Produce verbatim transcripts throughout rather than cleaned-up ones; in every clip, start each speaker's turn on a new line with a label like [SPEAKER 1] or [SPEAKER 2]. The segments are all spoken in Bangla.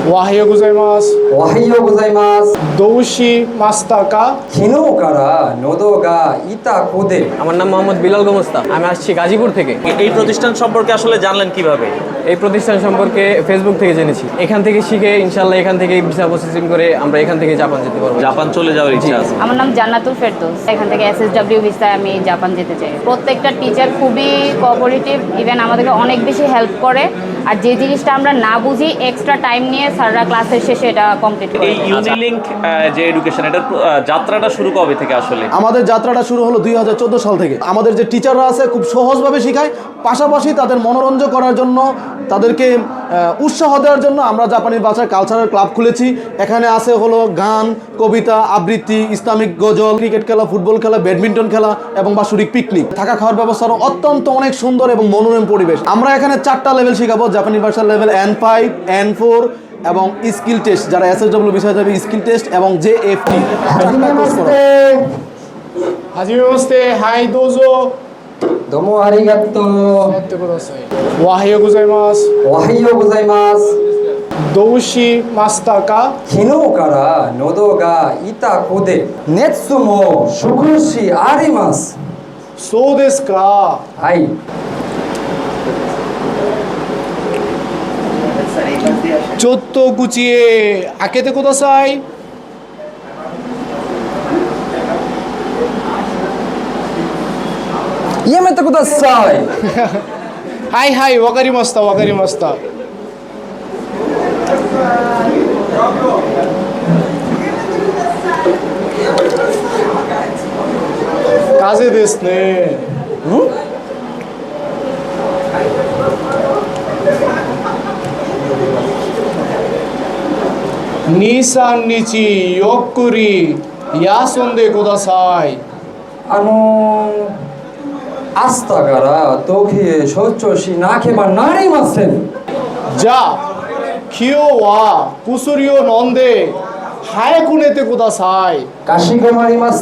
[SPEAKER 1] おはようございます。
[SPEAKER 2] おはようございます。
[SPEAKER 1] どうしましたか？
[SPEAKER 2] 昨日から喉が痛くて
[SPEAKER 3] আমার নাম মোহাম্মদ বিলাল গোমস্তা। আমি আসছি গাজীপুর থেকে।
[SPEAKER 4] এই প্রতিষ্ঠান সম্পর্কে আসলে জানলেন কিভাবে?
[SPEAKER 3] এই প্রতিষ্ঠান সম্পর্কে ফেসবুক থেকে জেনেছি। এখান থেকে শিখে ইনশাআল্লাহ এখান থেকে ভিসা প্রসেসিং করে আমরা এখান থেকে জাপান যেতে পারবো।
[SPEAKER 4] জাপান চলে যাওয়ার ইচ্ছা আছে।
[SPEAKER 5] আমার নাম জান্নাতুল ফেরদৌস। এখান থেকে এসএসডব্লিউ ভিসায় আমি জাপান যেতে চাই। প্রত্যেকটা টিচার খুবই কোঅপারেটিভ, ইভেন আমাদেরকে অনেক বেশি হেল্প করে। আর যে জিনিসটা আমরা না বুঝি এক্সট্রা টাইম নিয়ে স্যাররা ক্লাসের শেষে এটা কমপ্লিট করে।
[SPEAKER 4] এই ইউনিলিংক যে এডুকেশন এটার যাত্রাটা শুরু কবে থেকে আসলে?
[SPEAKER 6] আমাদের যাত্রাটা শুরু হলো দুই হাজার চোদ্দো সাল থেকে। আমাদের যে টিচাররা আছে খুব সহজভাবে শেখায়, পাশাপাশি তাদের মনোরঞ্জন করার জন্য, তাদেরকে উৎসাহ দেওয়ার জন্য আমরা জাপানি ভাষার কালচারাল ক্লাব খুলেছি। এখানে আছে হলো গান, কবিতা, আবৃত্তি, ইসলামিক গজল, ক্রিকেট খেলা, ফুটবল খেলা, ব্যাডমিন্টন খেলা এবং বাৎসরিক পিকনিক। থাকা খাওয়ার ব্যবস্থারও অত্যন্ত অনেক সুন্দর এবং মনোরম পরিবেশ। আমরা এখানে চারটা লেভেল শেখাবো, জাপানি ভাষার level N five, N four এবং স্কিল টেস্ট, যারা এসএসডব্লিউ বিষয় যাবে স্কিল টেস্ট এবং জে এফ টি।
[SPEAKER 1] はじめまして。はい、どうぞ。
[SPEAKER 2] どうもありがとう。
[SPEAKER 1] やってください。おはようございます。
[SPEAKER 2] おはようございます。
[SPEAKER 1] どうしましたか？
[SPEAKER 2] 昨日から喉が痛くて熱も少しあります。
[SPEAKER 1] そうですか。
[SPEAKER 2] はい。
[SPEAKER 1] ちょっと口へ開けてください。
[SPEAKER 2] やめてください。
[SPEAKER 1] はいはい、わかりました、わかりました。風邪ですね。に、さんにちゆっくり休んでください。
[SPEAKER 2] あのー明日から東京へ出張しなければなりません。
[SPEAKER 1] じゃあ今日は薬を飲んで早く寝てください。
[SPEAKER 2] かしこまりました。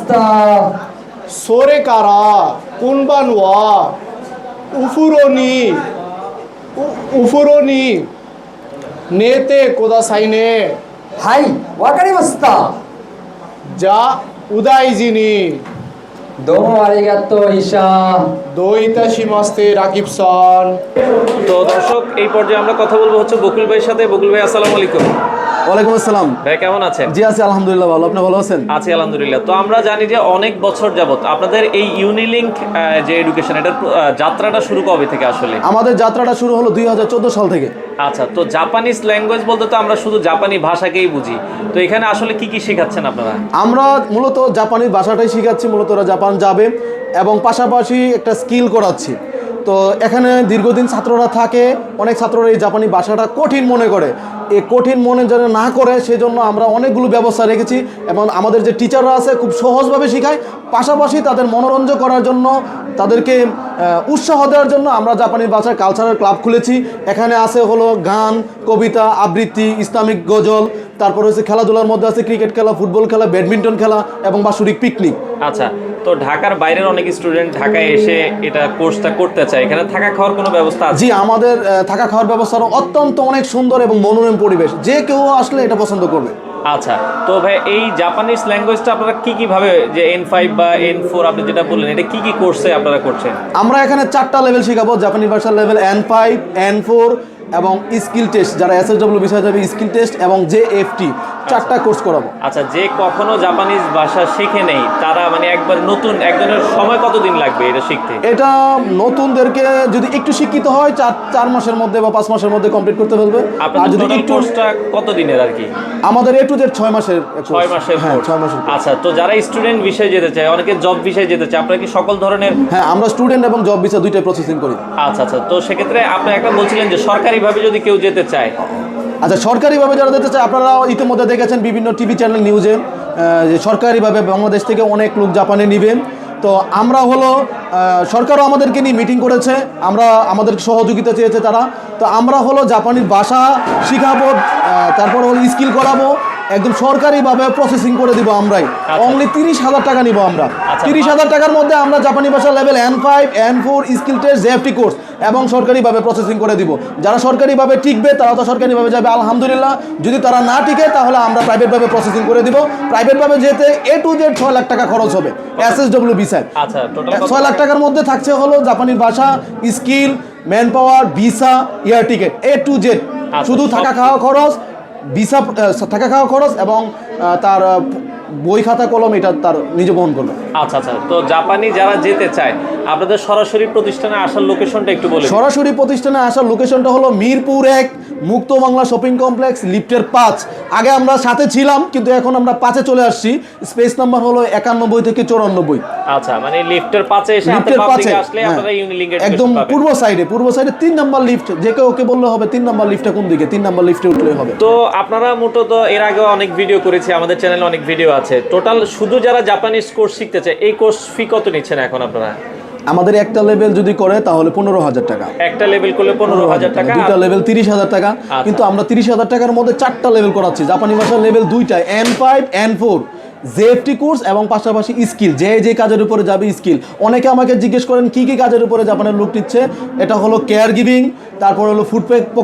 [SPEAKER 1] それから今晩はお風呂にお、お風呂に寝てくださいね。
[SPEAKER 2] はい、わかりました。
[SPEAKER 1] じゃあお大事に。
[SPEAKER 2] どうもありがとうঈশা।
[SPEAKER 1] どういたしましてরাকিব স্যার।
[SPEAKER 4] তো দর্শক, এই পর্যায়ে আমরা কথা বলবো হচ্ছে বকুল ভাইয়ের সাথে। বকুল ভাই, আসসালামু আলাইকুম।
[SPEAKER 6] ওয়ালাইকুম আসসালাম।
[SPEAKER 4] ভাই কেমন আছেন?
[SPEAKER 6] জি আছি আলহামদুলিল্লাহ, ভালো। আপনি ভালো আছেন?
[SPEAKER 4] আছি আলহামদুলিল্লাহ। তো আমরা জানি যে অনেক বছর যাবত আপনাদের এই ইউনিলিংক যে এডুকেশন এটার যাত্রাটা শুরু কবে থেকে আসলে?
[SPEAKER 6] আমাদের যাত্রাটা শুরু হলো দুই হাজার চোদ্দো সাল থেকে।
[SPEAKER 4] আচ্ছা, তো জাপানিজ ল্যাঙ্গুয়েজ বলতে তো আমরা শুধু জাপানি ভাষাকেই বুঝি, তো এখানে আসলে কি কি শেখাচ্ছেন আপনারা?
[SPEAKER 6] আমরা মূলত জাপানি ভাষাটাই শেখাচ্ছি, মূলত ওরা জাপান যাবে এবং পাশাপাশি একটা স্কিল করাচ্ছি। তো এখানে দীর্ঘদিন ছাত্ররা থাকে, অনেক ছাত্ররা এই জাপানি ভাষাটা কঠিন মনে করে। এই কঠিন মনে যেন না করে সেজন্য আমরা অনেকগুলো ব্যবস্থা রেখেছি এবং আমাদের যে টিচাররা আছে খুব সহজভাবে শেখায়, পাশাপাশি তাদের মনোরঞ্জন করার জন্য, তাদেরকে উৎসাহ দেওয়ার জন্য আমরা জাপানি ভাষার কালচারাল ক্লাব খুলেছি। এখানে আছে হলো গান, কবিতা, আবৃত্তি, ইসলামিক গজল, তারপর হচ্ছে খেলাধুলার মধ্যে আছে ক্রিকেট খেলা, ফুটবল খেলা, ব্যাডমিন্টন খেলা এবং বাৎসরিক পিকনিক।
[SPEAKER 4] আচ্ছা, তো ঢাকার বাইরের অনেক স্টুডেন্ট ঢাকায় এসে এটা কোর্সটা করতে চায়, এখানে থাকা খাওয়ার কোনো ব্যবস্থা আছে?
[SPEAKER 6] জি, আমাদের থাকা খাওয়ার ব্যবস্থারও অত্যন্ত অনেক সুন্দর এবং মনোরম পরিবেশ, যে কেউ আসলে এটা পছন্দ করবে।
[SPEAKER 4] আচ্ছা, তো ভাই এই জাপানিজ ল্যাঙ্গুয়েজটা আপনারা কি কি ভাবে, যে এন ফাইভ বা এন ফোর আপনি যেটা বললেন, এটা কি কি কোর্সে আপনারা করছেন?
[SPEAKER 6] আমরা এখানে চারটা লেভেল শেখাবো, জাপানি ভাষার level N five, N four এবং স্কিল টেস্ট, যারা এসএসডব্লিউ বিষয় যাবে স্কিল টেস্ট এবং জে এফ টি, চারটা কোর্স করাবো।
[SPEAKER 4] আচ্ছা, যে কখনো জাপানিজ ভাষা শিখে নেই তারা মানে একবার নতুন একজনের সময় কতদিন লাগবে এটা শিখতে?
[SPEAKER 6] এটা নতুনদেরকে যদি একটু শিক্ষিত হয় চার চার মাসের মধ্যে বা পাঁচ মাসের মধ্যে কমপ্লিট করতে ফেলবে।
[SPEAKER 4] আর যদি একটু কোর্সটা কত দিনের আর কি?
[SPEAKER 6] আমাদের এ টু জেড ছয় মাসের।
[SPEAKER 4] ছয় মাসের?
[SPEAKER 6] হ্যাঁ, ছয় মাসের।
[SPEAKER 4] আচ্ছা, তো যারা স্টুডেন্ট বিষয়ে যেতে চায়, অনেকে জব বিষয়ে যেতে চায়, আপনারা কি সকল ধরনের?
[SPEAKER 6] হ্যাঁ, আমরা স্টুডেন্ট এবং জব ভিসা দুইটাই প্রসেসিং করি।
[SPEAKER 4] আচ্ছা আচ্ছা, তো সেক্ষেত্রে আপনি একটা বলছিলেন যে সরকারিভাবে যদি কেউ যেতে চায়।
[SPEAKER 6] আচ্ছা, সরকারিভাবে যারা যেতে চায়, আপনারা ইতিমধ্যে দেখেছেন বিভিন্ন টিভি চ্যানেল নিউজে যে সরকারিভাবে বাংলাদেশ থেকে অনেক লোক জাপানে নেবেন। তো আমরা হলো সরকারও আমাদেরকে নিয়ে মিটিং করেছে, আমরা আমাদের সহযোগিতা চেয়েছে তারা। তো আমরা হলো জাপানি ভাষা শিখাবো, তারপর হলো স্কিল করাবো, একদম সরকারিভাবে প্রসেসিং করে দিব আমরাই। অনলি তিরিশ হাজার টাকা নিব আমরা। তিরিশ হাজার টাকার মধ্যে আমরা জাপানি ভাষা level N five N four skill test JFT course এবং সরকারিভাবে প্রসেসিং করে দিব। যারা সরকারিভাবে টিকবে তারা তো সরকারিভাবে যাবে আলহামদুলিল্লাহ, যদি তারা না টিকে তাহলে আমরা প্রাইভেটভাবে প্রসেসিং করে দিব। প্রাইভেটভাবে যেতে এ টু জেড ছয় লাখ টাকা খরচ হবে এসএসডব্লিউ ভিসায়।
[SPEAKER 4] আচ্ছা, টোটাল
[SPEAKER 6] ছয় লাখ টাকার মধ্যে থাকছে হলো জাপানি ভাষা, skill, manpower, visa, air ticket A to Z. শুধু থাকা খাওয়া খরচ, ভিসা থাকা খাওয়া খরচ এবং তার বই খাতা কলম এটা তার নিজে বহন করবে।
[SPEAKER 4] আচ্ছা আচ্ছা, তো জাপানি যারা যেতে চায় আপনাদের সরাসরি প্রতিষ্ঠানে আসার লোকেশনটা একটু বলুন।
[SPEAKER 6] সরাসরি প্রতিষ্ঠানে আসার লোকেশনটা হলো মিরপুর এক, মুক্ত বাংলা শপিং কমপ্লেক্স, লিফটের পাঁচ। আগে আমরা সাথে ছিলাম কিন্তু এখন আমরা পাঁচে চলে আসছি। স্পেস নাম্বার হলো একানব্বই থেকে চৌরানব্বই।
[SPEAKER 4] আচ্ছা, মানে লিফটের পাঁচে এসে
[SPEAKER 6] লিফটের পাঁচে
[SPEAKER 4] আসলে আপনারা ইউনিলিংকের
[SPEAKER 6] একদম পূর্ব সাইডে, পূর্ব সাইডে তিন নাম্বার লিফট। যে কেউ ওকে বললে হবে তিন নাম্বার লিফটটা কোন দিকে, তিন নাম্বার লিফটে উঠলে হবে।
[SPEAKER 4] তো আপনারা মূলত এর আগে অনেক ভিডিও করেছি, আমাদের চ্যানেলে অনেক ভিডিও আছে। টোটাল শুধু যারা জাপানিজ কোর্স শিখতে চায় এই কোর্স ফি কত নিচ্ছেন এখন আপনারা?
[SPEAKER 6] আমাদের একটা লেভেল যদি করে তাহলে পনেরো হাজার টাকা।
[SPEAKER 4] একটা লেভেল করলে পনেরো হাজার টাকা,
[SPEAKER 6] দুইটা লেভেল তিরিশ হাজার টাকা। কিন্তু আমরা তিরিশ হাজার টাকার মধ্যে চারটা লেভেল করাচ্ছি। জাপানি ভাষার লেভেল দুইটা, N five N four JFT course এবং পাশাপাশি স্কিল, যে যে কাজের উপরে যাবে স্কিল। অনেকে আমাকে জিজ্ঞেস করেন কি কি কাজের উপরে জাপানের লোক নিচ্ছে। এটা হলো কেয়ার গিভিং, তারপর হলো ফুড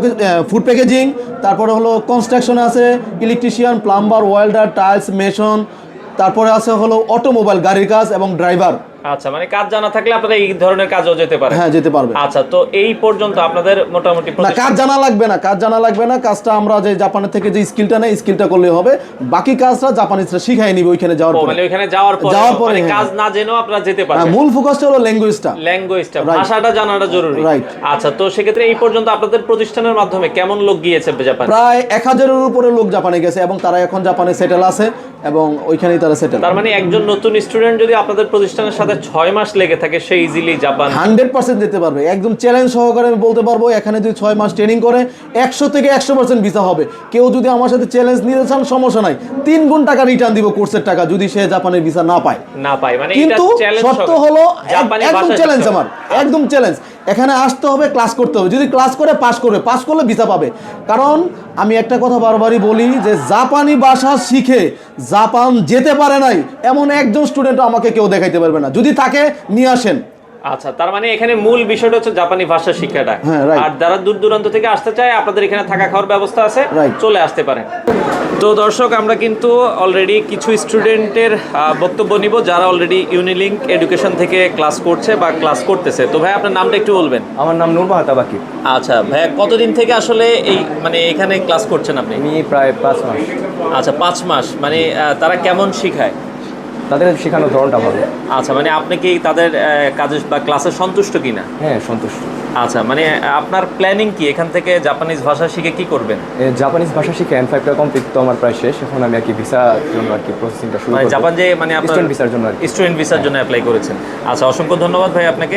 [SPEAKER 6] ফুড প্যাকেজিং, তারপরে হলো কনস্ট্রাকশন আছে, electrician, plumber, welder, tiles, mason, তারপরে আছে হলো অটোমোবাইল, গাড়ির কাজ এবং ড্রাইভার।
[SPEAKER 4] আচ্ছা, মানে কাজ জানা থাকলে আপনারা এই ধরনের কাজও যেতে পারেন।
[SPEAKER 6] হ্যাঁ, যেতে পারবে।
[SPEAKER 4] আচ্ছা, তো এই পর্যন্ত আপনাদের মোটামুটি
[SPEAKER 6] না, কাজ জানা লাগবে না, কাজ জানা লাগবে না। কাজটা আমরা যে জাপানের থেকে যে স্কিলটা নেই স্কিলটা করলে হবে। বাকি কাজটা জাপানিজরা শিখাই নিবে ওইখানে যাওয়ার পরে।
[SPEAKER 4] মানে ওইখানে যাওয়ার পরে
[SPEAKER 6] যাওয়ার পরে
[SPEAKER 4] মানে কাজ না জেনেও আপনারা যেতে পারবেন।
[SPEAKER 6] মূল ফোকাসটা হলো ল্যাঙ্গুয়েজটা,
[SPEAKER 4] ল্যাঙ্গুয়েজটা, ভাষাটা জানাটা জরুরি।
[SPEAKER 6] রাইট।
[SPEAKER 4] আচ্ছা, তো সেক্ষেত্রে এই পর্যন্ত আপনাদের প্রতিষ্ঠানের মাধ্যমে কেমন লোক গিয়েছে জাপানে?
[SPEAKER 6] প্রায় এক হাজারের উপরে লোক জাপানে গেছে এবং তারা এখন জাপানে সেটেল আছে এবং ওইখানেই তারা সেটেল।
[SPEAKER 4] তার মানে একজন নতুন স্টুডেন্ট যদি আপনাদের প্রতিষ্ঠানের সাথে ছয় মাস লেগে থাকে সে ইজিলি জাপান
[SPEAKER 6] হান্ড্রেড পার্সেন্ট যেতে পারবে। একদম চ্যালেঞ্জ সহকারে আমি বলতে পারবো এখানে যদি ছয় মাস ট্রেনিং করে একশো থেকে একশো পার্সেন্ট ভিসা হবে। কেউ যদি আমার সাথে চ্যালেঞ্জ নিতে চান সমস্যা নাই, তিন গুণ টাকা রিটার্ন দিব কোর্সের টাকা যদি সে জাপানের ভিসা না পায়
[SPEAKER 4] না পায়। মানে
[SPEAKER 6] কিন্তু শর্ত হলো একদম চ্যালেঞ্জ, আমার একদম চ্যালেঞ্জ। এখানে আসতে হবে, ক্লাস করতে হবে। যদি ক্লাস করে পাস করবে, পাস করলে ভিসা পাবে। কারণ আমি একটা কথা বারবারই বলি যে জাপানি ভাষা শিখে জাপান যেতে পারে নাই এমন একজন স্টুডেন্ট আমাকে কেউ দেখাইতে পারবে না। যদি তাকে নিয়ে আসেন।
[SPEAKER 4] আচ্ছা, তার মানে এখানে মূল বিষয়টা হচ্ছে জাপানি ভাষা শিক্ষাটা।
[SPEAKER 6] হ্যাঁ, right.
[SPEAKER 4] আর যারা দূর দূরান্ত থেকে আসতে চায় আপনাদের এখানে থাকা খাওয়ার ব্যবস্থা আছে,
[SPEAKER 6] Right.
[SPEAKER 4] চলে আসতে পারেন। তো দর্শক, আমরা কিন্তু অলরেডি কিছু স্টুডেন্টের বক্তব্য নিব যারা অলরেডি ইউনিলিংক এডুকেশন থেকে ক্লাস করছে বা ক্লাস করতেছে। তো ভাই আপনার নামটা একটু বলবেন।
[SPEAKER 3] আমার নাম নূর মাহাতা বাকি।
[SPEAKER 4] আচ্ছা ভাইয়া, কতদিন থেকে আসলে এই মানে এখানে ক্লাস করছেন আপনি?
[SPEAKER 3] আমি প্রায় পাঁচ মাস।
[SPEAKER 4] আচ্ছা, পাঁচ মাস। মানে আহ, তারা কেমন শিখায়?
[SPEAKER 3] তাদের শেখানোর ধরনটা ভালো।
[SPEAKER 4] আচ্ছা, মানে আপনি কি তাদের আহ, কাজে বা ক্লাসে সন্তুষ্ট কিনা?
[SPEAKER 3] হ্যাঁ, সন্তুষ্ট।
[SPEAKER 4] আচ্ছা, মানে আপনার প্ল্যানিং কি এখান থেকে জাপানিজ ভাষা শিখে কি করবেন?
[SPEAKER 3] এ, জাপানিজ ভাষা শিখে এন ফাইভটা কমপ্লিট তো আমার প্রায় শেষ। এখন আমি আর কি ভিসার জন্য আর কি প্রসেসিংটা শুরু
[SPEAKER 4] মানে
[SPEAKER 3] করব।
[SPEAKER 4] জাপান যে মানে আপনার
[SPEAKER 3] স্টুডেন্ট ভিসার জন্য আর কি।
[SPEAKER 4] স্টুডেন্ট ভিসার জন্য অ্যাপ্লাই করেছেন। আচ্ছা, অসংখ্য ধন্যবাদ ভাই আপনাকে।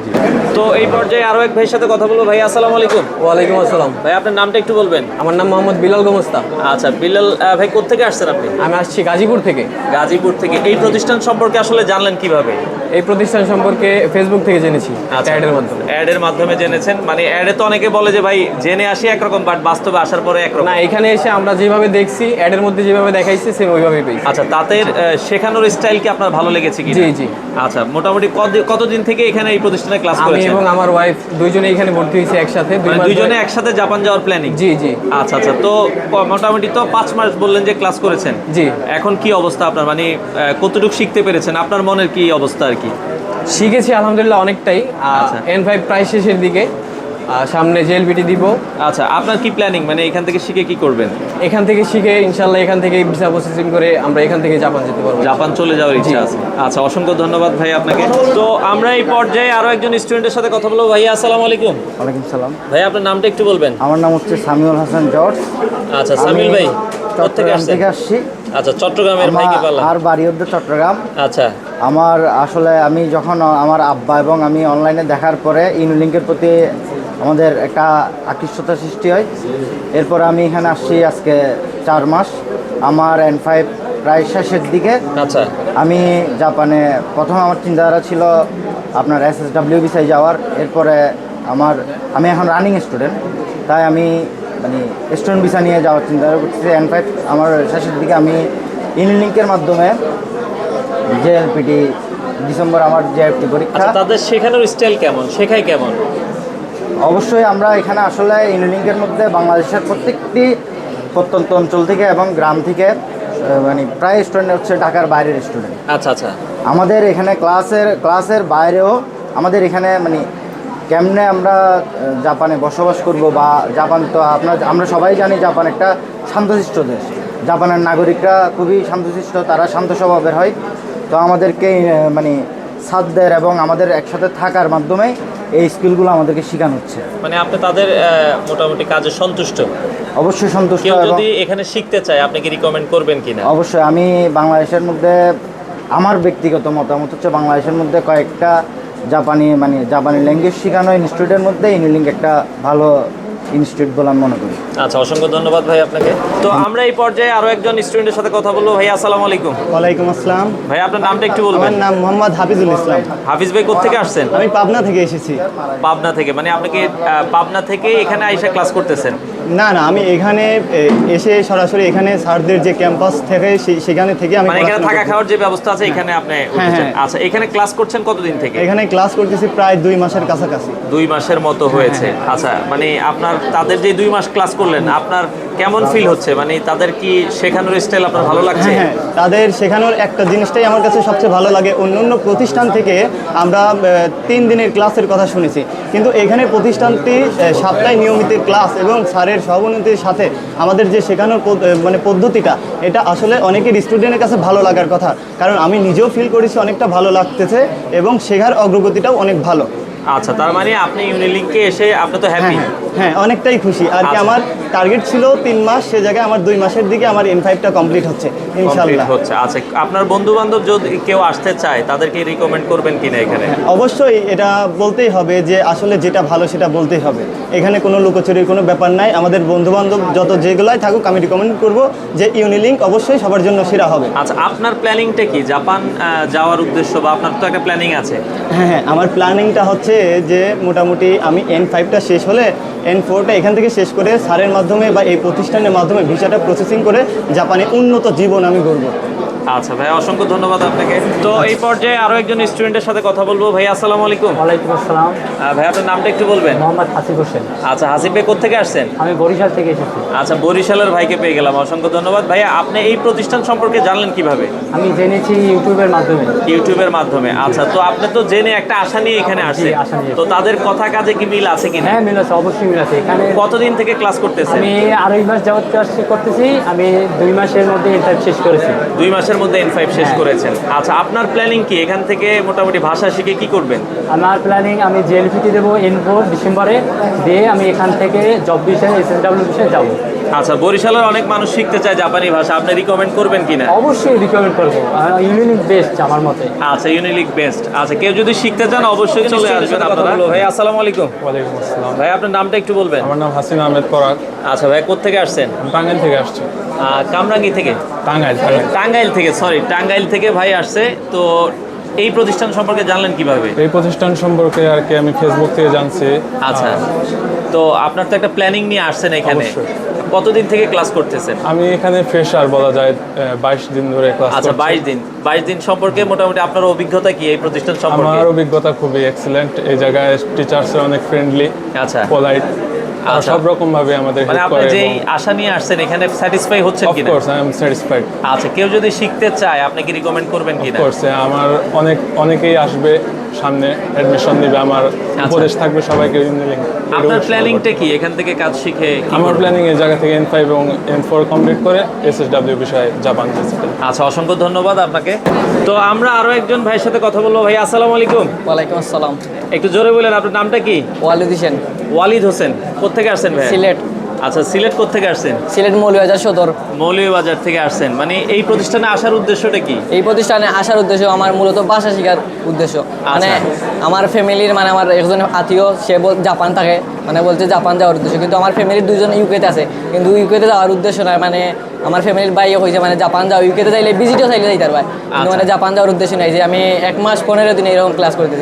[SPEAKER 4] তো এই পর্যায়ে আরো এক ভাইয়ের সাথে কথা বলবো। ভাই আসসালামু আলাইকুম।
[SPEAKER 3] ওয়ালাইকুম আসসালাম।
[SPEAKER 4] ভাই আপনার নামটা একটু বলবেন।
[SPEAKER 3] আমার নাম মোহাম্মদ বিলাল গোমস্তা।
[SPEAKER 4] আচ্ছা বিলাল আহ, ভাই কোত্থেকে আসছেন আপনি?
[SPEAKER 3] আমি আসছি গাজীপুর থেকে।
[SPEAKER 4] গাজীপুর থেকে। এই প্রতিষ্ঠান সম্পর্কে আসলে জানলেন কিভাবে?
[SPEAKER 3] এই প্রতিষ্ঠান সম্পর্কে ফেসবুক থেকে জেনেছি,
[SPEAKER 4] আচ্ছা,
[SPEAKER 3] অ্যাডের মাধ্যমে।
[SPEAKER 4] অ্যাডের মাধ্যমে জেনেছেন। মানে অ্যাডে তো অনেকে বলে যে ভাই জেনে আসি একরকম, বাট বাস্তবে আসার পরে একরকম।
[SPEAKER 3] না, এখানে এসে আমরা যেভাবে দেখছি অ্যাডের মধ্যে যেভাবে দেখাইছে সেম ওইভাবেই পেয়েছি।
[SPEAKER 4] আচ্ছা, তাদের আহ, শেখানোর স্টাইল কি আপনার ভালো লেগেছে কি?
[SPEAKER 3] জি জি।
[SPEAKER 4] আচ্ছা, মোটামুটি কত- কতদিন থেকে এখানে এই প্রতিষ্ঠানে ক্লাস
[SPEAKER 3] আমি
[SPEAKER 4] করেছেন?
[SPEAKER 3] এবং আমার ওয়াইফ দুইজনে এখানে ভর্তি হয়েছি একসাথে। দুই
[SPEAKER 4] মানে
[SPEAKER 3] মাস
[SPEAKER 4] দুইজনে
[SPEAKER 3] ধরে-
[SPEAKER 4] একসাথে জাপান যাওয়ার প্ল্যানিং?
[SPEAKER 3] জি জি।
[SPEAKER 4] আচ্ছা আচ্ছা, তো ক- মোটামুটি তো পাঁচ মাস বললেন যে ক্লাস করেছেন।
[SPEAKER 3] জি।
[SPEAKER 4] এখন কি অবস্থা আপনার? মানে আহ, কতটুকু শিখতে পেরেছেন? আপনার মনের কি অবস্থা আর কি?
[SPEAKER 3] শিখেছি আলহামদুলিল্লাহ অনেকটাই।
[SPEAKER 4] আচ্ছা।
[SPEAKER 3] এন ফাইভ প্রায় শেষের দিকে, আর সামনে জেএলবিটি দিব।
[SPEAKER 4] আচ্ছা, আপনার কি প্ল্যানিং? মানে এখান থেকে শিখে কি করবেন?
[SPEAKER 3] এখান থেকে শিখে ইনশাল্লাহ এখান থেকে ভিসা প্রসেসিং করে আমরা এখান থেকে জাপান যেতে পারবো।
[SPEAKER 4] জাপান চলে যাওয়ার ইচ্ছা আছে। আচ্ছা, অসংখ্য ধন্যবাদ ভাই আপনাকে। তো আমরা এই পর্যায়ে আরো একজন স্টুডেন্টের সাথে কথা বলবো। ভাইয়া আসসালামু আলাইকুম।
[SPEAKER 7] ওয়ালাইকুম সালাম।
[SPEAKER 4] ভাই আপনার নামটা একটু বলবেন।
[SPEAKER 7] আমার নাম হচ্ছে সামিউল হাসান জর্জ।
[SPEAKER 4] আচ্ছা, সামিল ভাই কোথেকে
[SPEAKER 7] চট্টগ্রাম
[SPEAKER 4] আসছেন?
[SPEAKER 7] থেকে আসছি।
[SPEAKER 4] আচ্ছা, চট্টগ্রামের ভাই কি পারলাম।
[SPEAKER 7] আর বাড়ি হচ্ছে চট্টগ্রাম।
[SPEAKER 4] আচ্ছা
[SPEAKER 7] আমার আসলে আমি যখন আমার আব্বা এবং আমি অনলাইনে দেখার পরে ইউনিলিংকের প্রতি আমাদের একটা আকৃষ্টতা সৃষ্টি হয়। এরপর আমি এখানে আসছি আজকে চার মাস। আমার এন ফাইভ প্রায় শেষের দিকে।
[SPEAKER 4] আচ্ছা
[SPEAKER 7] আমি জাপানে প্রথমে আমার চিন্তাধারা ছিল আপনার এস এস ডাব্লিউ ভিসায় যাওয়ার। এরপরে আমার আমি এখন রানিং স্টুডেন্ট, তাই আমি মানে স্টুডেন্ট ভিসা নিয়ে যাওয়ার চিন্তা করতেছি। এন ফাইভ আমার শেষের দিকে আমি ইউনিলিঙ্কের মাধ্যমে জেএলপিটি ডিসেম্বর আমার জেএফটি পরীক্ষা।
[SPEAKER 4] আচ্ছা, তাদের শেখানোর স্টাইল কেমন, শেখায় কেমন?
[SPEAKER 7] অবশ্যই আমরা এখানে আসলে ইউনিলিঙ্কের মধ্যে বাংলাদেশের প্রত্যেকটি প্রত্যন্ত অঞ্চল থেকে এবং গ্রাম থেকে আহ, মানে প্রায় স্টুডেন্ট হচ্ছে ঢাকার বাইরের স্টুডেন্ট।
[SPEAKER 4] আচ্ছা আচ্ছা।
[SPEAKER 7] আমাদের এখানে ক্লাসের ক্লাসের বাইরেও আমাদের এখানে মানে কেমনে আমরা আহ, জাপানে বসবাস করব বা জাপান তো আপনার আমরা সবাই জানি জাপান একটা শান্তশিষ্ট দেশ। জাপানের নাগরিকরা খুবই শান্তশিষ্ট, তারা শান্ত স্বভাবের হয়। তো আমাদেরকে আহ, মানে ছাত্রদের এবং আমাদের একসাথে থাকার মাধ্যমে এই স্কিলগুলো আমাদেরকে শেখানো হচ্ছে।
[SPEAKER 4] মানে আপনি তাদের আহ, মোটামুটি কাজে সন্তুষ্ট?
[SPEAKER 7] অবশ্যই সন্তুষ্ট।
[SPEAKER 4] কেউ
[SPEAKER 7] এবং
[SPEAKER 4] যদি এখানে শিখতে চায় আপনি কি রিকমেন্ড করবেন কিনা?
[SPEAKER 7] অবশ্যই আমি বাংলাদেশের মধ্যে আমার ব্যক্তিগত মতামত হচ্ছে বাংলাদেশের মধ্যে কয়েকটা জাপানি মানে জাপানি ল্যাঙ্গুয়েজ শেখানো ইনস্টিটিউটের মধ্যে ইউনিলিঙ্ক একটা ভালো ইনস্টিটিউট বলে আমি মনে করি।
[SPEAKER 4] আচ্ছা, অসংখ্য ধন্যবাদ ভাই আপনাকে। তো আমরা এই পর্যায়ে আরো একজন স্টুডেন্টের সাথে কথা বলবো। ভাই আসসালামু আলাইকুম।
[SPEAKER 8] ওয়ালাইকুম আসসালাম।
[SPEAKER 4] ভাই আপনার নামটা একটু বলবেন?
[SPEAKER 8] আমার নাম মোহাম্মদ হাফিজুল ইসলাম।
[SPEAKER 4] হাফিজ ভাই কোত্থেকে আসছেন?
[SPEAKER 8] আমি পাবনা থেকে এসেছি।
[SPEAKER 4] পাবনা থেকে? মানে আপনি কি আহ, পাবনা থেকে এখানে আইসা ক্লাস করতেছেন?
[SPEAKER 8] না না, আমি এখানে এ, এসে সরাসরি এখানে স্যারদের যে ক্যাম্পাস থেকে সে- সেখানে থেকে আমি
[SPEAKER 4] মানে এখানে
[SPEAKER 8] পড়াশোনা
[SPEAKER 4] থাকা
[SPEAKER 8] করছি।
[SPEAKER 4] খাওয়ার যে ব্যবস্থা আছে এখানে আপনি উঠেছেন?
[SPEAKER 8] হ্যাঁ।
[SPEAKER 4] আচ্ছা, এখানে ক্লাস করছেন কতদিন থেকে?
[SPEAKER 8] এখানে ক্লাস করতেছি প্রায় দুই মাসের কাছাকাছি।
[SPEAKER 4] দুই মাসের মতো হয়েছে। আচ্ছা, মানে আপনার তাদের যে দুই মাস ক্লাস করলেন আপনার কেমন ফিল হচ্ছে? মানে তাদের কি শেখানোর স্টাইল আপনার ভালো লাগছে?
[SPEAKER 8] হ্যাঁ হ্যাঁ, তাদের শেখানোর একটা জিনিসটাই আমার কাছে সবচেয়ে ভালো লাগে। অন্য অন্য প্রতিষ্ঠান থেকে আমরা আহ, তিন দিনের ক্লাসের কথা শুনেছি, কিন্তু এখানে প্রতিষ্ঠানটি আহ, সপ্তাহে নিয়মিত ক্লাস এবং স্যারের সহানুভূতির সাথে আমাদের যে শেখানোর পদ- আহ, মানে পদ্ধতিটা, এটা আসলে অনেকের স্টুডেন্টের কাছে ভালো লাগার কথা। কারণ আমি নিজেও ফিল করেছি অনেকটা ভালো লাগতেছে এবং শেখার অগ্রগতিটাও অনেক ভালো।
[SPEAKER 4] আচ্ছা, তার মানে আপনি ইউনিলিঙ্কে এসে আপনি তো হ্যাপি?
[SPEAKER 8] হ্যাঁ হ্যাঁ, অনেকটাই খুশি আর কি।
[SPEAKER 4] আচ্ছা।
[SPEAKER 8] আমার টার্গেট ছিল তিন মাস, সে জায়গায় আমার দুই মাসের দিকে আমার এন ফাইভটা কমপ্লিট হচ্ছে ইনশাল্লাহ।
[SPEAKER 4] হচ্ছে। আচ্ছা, আপনার বন্ধু বান্ধব যদি কেউ আসতে চায় তাদেরকে রিকমেন্ড করবেন কিনা এখানে?
[SPEAKER 8] অবশ্যই এটা বলতেই হবে যে আসলে যেটা ভালো সেটা বলতেই হবে। এখানে কোনো লুকোচুরির কোনো ব্যাপার নাই। আমাদের বন্ধুবান্ধব যত যেগুলাই থাকুক আমি রিকমেন্ড করব যে ইউনিলিঙ্ক অবশ্যই সবার জন্য সেরা হবে।
[SPEAKER 4] আচ্ছা, আপনার প্ল্যানিংটা কি জাপান আহ, যাওয়ার উদ্দেশ্য, বা আপনার তো একটা প্ল্যানিং আছে?
[SPEAKER 8] হ্যাঁ হ্যাঁ, আমার প্ল্যানিংটা হচ্ছে যে মোটামুটি আমি এন ফাইভটা শেষ হলে এন ফোরটা এখান থেকে শেষ করে স্যারের মাধ্যমে বা এই প্রতিষ্ঠানের মাধ্যমে ভিসাটা প্রসেসিং করে জাপানে উন্নত জীবন আমি গড়ব।
[SPEAKER 4] আচ্ছা ভাই, অসংখ্য ধন্যবাদ আপনাকে। তো এই পর্যায়ে আরো একজন স্টুডেন্টের সাথে কথা বলবো। ভাই আসসালামু আলাইকুম।
[SPEAKER 9] ওয়ালাইকুম আসসালাম।
[SPEAKER 4] আহ, ভাই আপনার নামটা একটু বলবেন?
[SPEAKER 9] মোহাম্মদ হাসিব হোসেন।
[SPEAKER 4] আচ্ছা, হাসিব ভাই কোত্থেকে আসছেন?
[SPEAKER 9] আমি বরিশাল থেকে এসেছি।
[SPEAKER 4] আচ্ছা, বরিশালের ভাইকে পেয়ে গেলাম, অসংখ্য ধন্যবাদ। ভাইয়া আপনি এই প্রতিষ্ঠান সম্পর্কে জানলেন কিভাবে?
[SPEAKER 9] আমি জেনেছি ইউটিউবের মাধ্যমে।
[SPEAKER 4] ইউটিউবের মাধ্যমে? আচ্ছা, তো আপনি তো জেনে একটা আশা নিয়ে এখানে আসছেন,
[SPEAKER 9] জি, আশা নিয়ে।
[SPEAKER 4] তো তাদের কথা কাজে কি মিল আছে কিনা?
[SPEAKER 9] হ্যাঁ, মিল আছে, অবশ্যই মিল আছে। এখানে
[SPEAKER 4] কতদিন থেকে ক্লাস করতেছেন?
[SPEAKER 9] আমি আড়াই মাস যাবত ক্লাস করতেছি। আমি দুই মাসের মধ্যে ইন্টার শেষ করেছি।
[SPEAKER 4] দুই মাসের মধ্যে এন ফাইভ শেষ
[SPEAKER 9] হ্যাঁ।
[SPEAKER 4] করেছেন। আচ্ছা, আপনার প্ল্যানিং কি? এখান থেকে মোটামুটি ভাষা শিখে কি করবেন?
[SPEAKER 9] আমার প্ল্যানিং, আমি জেএলপিটি দেবো এন ফোর ডিসেম্বরে, দিয়ে আমি এখান থেকে জব বিষয়ে এস এস ডাব্লিউ বিষয়ে যাবো।
[SPEAKER 4] আচ্ছা, বরিশালের অনেক মানুষ শিখতে চায় জাপানি ভাষা, আপনি রিকমেন্ড করবেন কিনা?
[SPEAKER 9] অবশ্যই রিকমেন্ড করবো। ইউনিক বেস্ট আমার মতে।
[SPEAKER 4] আচ্ছা, ইউনিলিক বেস্ট। আচ্ছা, কেউ যদি শিখতে চান অবশ্যই চলে আসবেন আপনারা। ভাই আসসালামু আলাইকুম।
[SPEAKER 10] ওয়ালাইকুম আসসালাম।
[SPEAKER 4] ভাই আপনার নামটা একটু বলবেন?
[SPEAKER 10] আমার নাম হাসিন আহমেদ পরাগ।
[SPEAKER 4] আচ্ছা ভাই, কোত্থেকে আসছেন?
[SPEAKER 10] আমি টাঙ্গাইল থেকে আসছি।
[SPEAKER 4] আহ, কামরাঙ্গি থেকে?
[SPEAKER 10] টাঙ্গাইল টাঙ্গাইল
[SPEAKER 4] টাঙ্গাইল থেকে, সরি, টাঙ্গাইল থেকে ভাই আসছে। তো এই প্রতিষ্ঠান সম্পর্কে জানলেন কিভাবে?
[SPEAKER 10] এই প্রতিষ্ঠান সম্পর্কে আর কি আমি ফেসবুক থেকে জানছি।
[SPEAKER 4] আচ্ছা, তো আপনার তো একটা প্ল্যানিং নিয়ে আসছেন এখানে,
[SPEAKER 10] অবশ্যই।
[SPEAKER 4] কতদিন থেকে ক্লাস করতেছেন?
[SPEAKER 10] আমি এখানে ফ্রেশার বলা যায়, বাইশ দিন ধরে ক্লাস
[SPEAKER 4] আচ্ছা,
[SPEAKER 10] করছি।
[SPEAKER 4] বাইশ দিন। বাইশ দিন সম্পর্কে মোটামুটি আপনার অভিজ্ঞতা কি এই প্রতিষ্ঠান সম্পর্কে?
[SPEAKER 10] আমার অভিজ্ঞতা খুবই এক্সিলেন্ট। এই জায়গায় টিচার্সরা অনেক ফ্রেন্ডলি,
[SPEAKER 4] আচ্ছা,
[SPEAKER 10] পোলাইট,
[SPEAKER 4] আচ্ছা।
[SPEAKER 10] সব রকম ভাবে আমাদের
[SPEAKER 4] মানে
[SPEAKER 10] হেল্প
[SPEAKER 4] আপনি
[SPEAKER 10] করে।
[SPEAKER 4] যেই আশা নিয়ে আসছেন এখানে স্যাটিসফাই হচ্ছেন
[SPEAKER 10] অফ
[SPEAKER 4] কিনা?
[SPEAKER 10] Course I am satisfied.
[SPEAKER 4] আচ্ছা, কেউ যদি শিখতে চায় আপনি কি রিকমেন্ড করবেন কিনা?
[SPEAKER 10] কোর্স আমার অনেক অনেকেই আসবে সামনে, অ্যাডমিশন নিবে। আমার উপদেশ থাকবে সবাইকে ইউনিলিঙ্ক।
[SPEAKER 4] আপনার প্ল্যানিংটা কি এখান থেকে কাজ শিখে? কি
[SPEAKER 10] আমার
[SPEAKER 4] করবেন?
[SPEAKER 10] প্ল্যানিং এই জায়গা থেকে এন ফাইভ এবং এন ফোর কমপ্লিট করে এস এস ডাব্লিউ বিষয়ে জাপান যেতে।
[SPEAKER 4] আচ্ছা, অসংখ্য ধন্যবাদ আপনাকে। তো আমরা আরো একজন ভাইয়ের সাথে কথা বলবো। ভাই আসসালামু আলাইকুম।
[SPEAKER 11] ওয়ালাইকুম আসসালাম।
[SPEAKER 4] একটু জোরে বলেন, আপনার নামটা কি?
[SPEAKER 11] ওয়ালিদ হোসেন।
[SPEAKER 4] ওয়ালিদ হোসেন। কোত্থেকে আসছেন ভাই?
[SPEAKER 11] সিলেট।
[SPEAKER 4] আচ্ছা, সিলেট কোত্থেকে আসছেন?
[SPEAKER 11] সিলেট মৌলভীবাজার সদর।
[SPEAKER 4] মৌলভীবাজার থেকে আসছেন, মানে এই প্রতিষ্ঠানে আসার উদ্দেশ্যটা কি?
[SPEAKER 11] এই প্রতিষ্ঠানে আসার উদ্দেশ্য আমার মূলত ভাষা শেখার উদ্দেশ্য। মানে আমার ফ্যামিলির, মানে আমার একজন আত্মীয়, সে বল জাপান থাকে, মানে বলছে জাপান যাওয়ার উদ্দেশ্য, কিন্তু আমার ফ্যামিলির দুজন ইউকেতে আছে, কিন্তু ইউকেতে যাওয়ার উদ্দেশ্য নয়। মানে আমার ফ্যামিলির বাইরে হয়েছে মানে জাপান যাও, ইউকেতে যাইলে ভিজিটও চাইলে যাইতে পারবে, কিন্তু মানে জাপান যাওয়ার উদ্দেশ্য নাই যে আমি এক মাস পনেরো দিন এরকম ক্লাস করতেছি।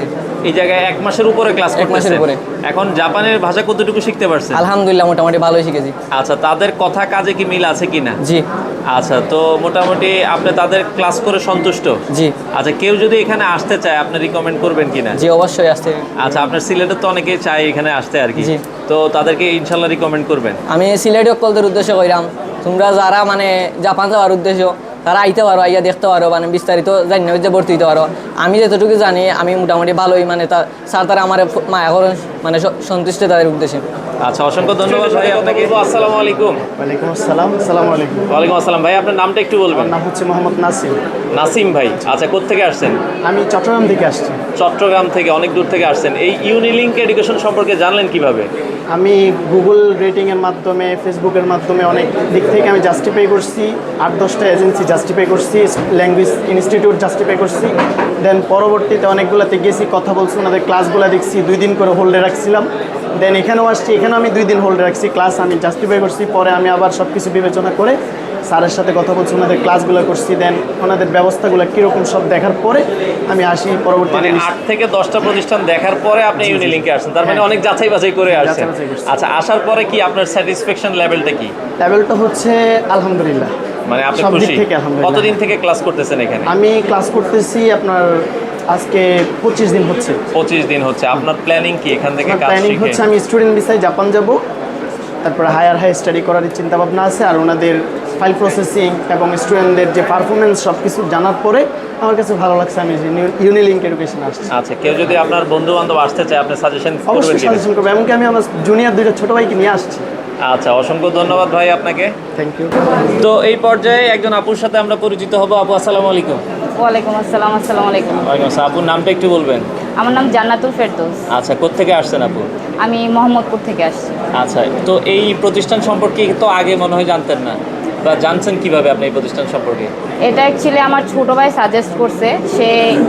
[SPEAKER 4] এই জায়গায় এক মাসের উপরে ক্লাস
[SPEAKER 11] এক মাসের
[SPEAKER 4] করতেছেন।
[SPEAKER 11] উপরে।
[SPEAKER 4] এখন জাপানের ভাষা কতটুকু শিখতে পারছেন?
[SPEAKER 11] আলহামদুলিল্লাহ মোটামুটি ভালোই শিখেছি।
[SPEAKER 4] আচ্ছা, তাদের কথা কাজে কি মিল আছে কিনা?
[SPEAKER 11] জি।
[SPEAKER 4] আচ্ছা, তো মোটামুটি আপনি তাদের ক্লাস করে সন্তুষ্ট?
[SPEAKER 11] জি।
[SPEAKER 4] আচ্ছা, কেউ যদি এখানে আসতে চায় আপনি রিকমেন্ড করবেন কিনা?
[SPEAKER 11] জি অবশ্যই আসতে।
[SPEAKER 4] আচ্ছা, আপনার সিলেটে তো অনেকেই চায় এখানে আসতে আর কি,
[SPEAKER 11] জি।
[SPEAKER 4] তো তাদেরকে ইনশাল্লাহ রিকমেন্ড করবেন?
[SPEAKER 11] আমি সিলেটি অকলদের উদ্দেশ্য কইরাম, তোমরা যারা মানে জাপান যাওয়ার উদ্দেশ্য তারা আইতে পারো, আইয়া দেখতে পারো, মানে বিস্তারিত জানি না যে ভর্তি হতে পারো। আমি যতটুকু জানি আমি মোটামুটি ভালোই, মানে তা স্যার তারা আমার মায়া করেন, মানে স- সন্তুষ্ট তাদের উদ্দেশ্যে।
[SPEAKER 4] আচ্ছা, অসংখ্য ধন্যবাদ ভাই আপনাকে। আসসালামু আলাইকুম।
[SPEAKER 6] ওয়ালাইকুম আসসালাম। আসসালামু আলাইকুম।
[SPEAKER 4] ওয়ালাইকুম আসসালাম ভাই, আপনার নামটা একটু বলবেন?
[SPEAKER 6] নাম হচ্ছে মোহাম্মদ নাসিম।
[SPEAKER 4] নাসিম ভাই, আচ্ছা কোত্থেকে আসছেন?
[SPEAKER 6] আমি চট্টগ্রাম থেকে আসছি।
[SPEAKER 4] চট্টগ্রাম থেকে অনেক দূর থেকে আসছেন। এই ইউনিলিঙ্ক এডুকেশন সম্পর্কে জানলেন কিভাবে?
[SPEAKER 6] আমি গুগল রেটিংয়ের মাধ্যমে, ফেসবুকের মাধ্যমে অনেক দিক থেকে আমি জাস্টিফাই করছি, আট দশটা এজেন্সি জাস্টিফাই করছি, ল্যাঙ্গুয়েজ ইনস্টিটিউট জাস্টিফাই করছি। দেন পরবর্তীতে অনেকগুলোতে গেছি, কথা বলছি, ওনাদের ক্লাসগুলো দেখছি, দুই দিন করে হোল্ডে রাখছিলাম। দেন এখানেও আসছি, এখানেও আমি দুই দিন হোল্ডে রাখছি, ক্লাস আমি জাস্টিফাই করছি। পরে আমি আবার সব কিছু বিবেচনা করে স্যারের সাথে কথা বলছি, ওনাদের ক্লাসগুলো করছি, দেন ওনাদের ব্যবস্থাগুলো কীরকম সব দেখার পরে আমি আসি পরবর্তী।
[SPEAKER 4] মানে আট থেকে দশটা প্রতিষ্ঠান দেখার পরে আপনি ইউনিলিঙ্কে আসছেন, তার মানে অনেক যাচাই বাছাই করে আসছেন।
[SPEAKER 6] যাচাই বাছাই করছি।
[SPEAKER 4] আচ্ছা, আসার পরে কি আপনার স্যাটিসফ্যাকশন লেভেলটা কি?
[SPEAKER 6] লেভেলটা হচ্ছে আলহামদুলিল্লাহ,
[SPEAKER 4] মানে আপনি
[SPEAKER 6] সব দিক
[SPEAKER 4] খুশি?
[SPEAKER 6] থেকে আলহামদুলিল্লাহ।
[SPEAKER 4] কতদিন থেকে ক্লাস করতেছেন এখানে?
[SPEAKER 6] আমি ক্লাস করতেছি আপনার আজকে পঁচিশ দিন হচ্ছে।
[SPEAKER 4] পঁচিশ দিন হচ্ছে। আপনার প্ল্যানিং কি এখান থেকে কাজ
[SPEAKER 6] প্ল্যানিং
[SPEAKER 4] শিখে?
[SPEAKER 6] হচ্ছে আমি স্টুডেন্ট ভিসায় জাপান যাব, তারপরে হায়ার হাই স্টাডি করার চিন্তা ভাবনা আছে। আর ওনাদের ফাইল প্রসেসিং এবং স্টুডেন্টদের যে পারফরমেন্স সব কিছু জানার পরে আমার কাছে ভালো লাগছে আমি ইউনিলিঙ্ক এডুকেশন আসছি।
[SPEAKER 4] আচ্ছা, কেউ যদি আপনার বন্ধু বান্ধব আসতে চায় আপনি সাজেশন করবেন
[SPEAKER 6] অবশ্যই
[SPEAKER 4] কিনা?
[SPEAKER 6] সাজেশন করবো, এমনকি আমি আমার জুনিয়র দুইটা ছোটো ভাইকে নিয়ে আসছি।
[SPEAKER 4] আচ্ছা, অসংখ্য ধন্যবাদ ভাই আপনাকে।
[SPEAKER 6] Thank you.
[SPEAKER 4] তো এই পর্যায়ে একজন আপুর সাথে আমরা পরিচিত হব। আপু আসসালামু আলাইকুম।
[SPEAKER 5] ওয়ালাইকুম আসসালাম। আসসালামু আলাইকুম।
[SPEAKER 4] ওয়ালাইকুম আসসালাম। আপুর নামটা একটু বলবেন?
[SPEAKER 5] আমার নাম জান্নাতুল ফেরদৌস।
[SPEAKER 4] আচ্ছা, কোত্থেকে আসছেন আপু?
[SPEAKER 5] আমি মোহাম্মদপুর থেকে আসছি।
[SPEAKER 4] আচ্ছা, তো এই প্রতিষ্ঠান সম্পর্কে তো আগে মনে হয় জানতেন না, বা জানছেন কিভাবে আপনি এই প্রতিষ্ঠান সম্পর্কে?
[SPEAKER 5] এটা অ্যাকচুয়ালি আমার ছোট ভাই সাজেস্ট করছে, সে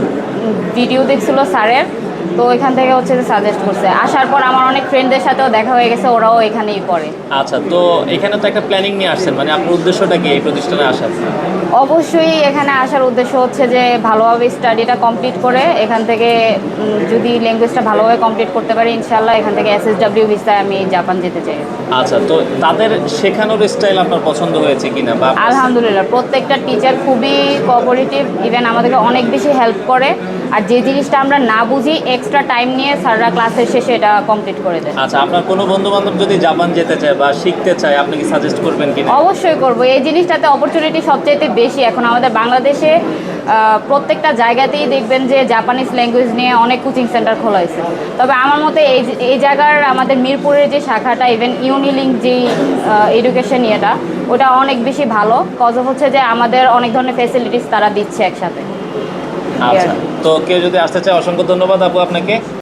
[SPEAKER 5] ভিডিও দেখছিল স্যারের, তো এখান থেকে হচ্ছে যে সাজেস্ট করছে। আসার পর আমার অনেক ফ্রেন্ডদের সাথেও দেখা হয়ে গেছে, ওরাও এখানেই পড়ে।
[SPEAKER 4] আচ্ছা, তো এখানে তো একটা প্ল্যানিং নিয়ে আসছেন, মানে আপনার উদ্দেশ্যটা কি এই প্রতিষ্ঠানে আসার?
[SPEAKER 5] অবশ্যই এখানে আসার উদ্দেশ্য হচ্ছে যে ভালোভাবে স্টাডিটা কমপ্লিট করে এখান থেকে উম, যদি ল্যাঙ্গুয়েজটা ভালোভাবে কমপ্লিট করতে পারি ইনশাল্লাহ এখান থেকে এস এস ডাব্লিউ ভিসায় আমি জাপান যেতে চাই।
[SPEAKER 4] আচ্ছা, তো তাদের শেখানোর স্টাইল আপনার পছন্দ হয়েছে কিনা? বা আপনার-
[SPEAKER 5] আলহামদুলিল্লাহ, প্রত্যেকটা টিচার খুবই কোঅপারেটিভ, ইভেন আমাদেরকে অনেক বেশি হেল্প করে। আর যে জিনিসটা আমরা না বুঝি এক্সট্রা টাইম নিয়ে স্যাররা ক্লাসের শেষে এটা কমপ্লিট করে দেয়।
[SPEAKER 4] আচ্ছা, আপনার কোনো বন্ধু বান্ধব যদি জাপান যেতে চায় বা শিখতে চায় আপনি কি সাজেস্ট করবেন কিনা?
[SPEAKER 5] অবশ্যই করবো, এই জিনিসটাতে অপরচুনিটি সবচেয়ে বেশি এখন আমাদের বাংলাদেশে। আহ, প্রত্যেকটা জায়গাতেই দেখবেন যে জাপানিজ ল্যাঙ্গুয়েজ নিয়ে অনেক কোচিং সেন্টার খোলা হয়েছে। তবে আমার মতে এই এই জায়গার আমাদের মিরপুরের যে শাখাটা, ইভেন ইউনিলিঙ্ক যেই এডুকেশন ইয়েটা, ওটা অনেক বেশি ভালো। কজ হচ্ছে যে আমাদের অনেক ধরনের ফ্যাসিলিটিস তারা দিচ্ছে একসাথে।
[SPEAKER 4] আচ্ছা, তো কেউ যদি আসতে চায় অসংখ্য ধন্যবাদ আপু আপনাকে।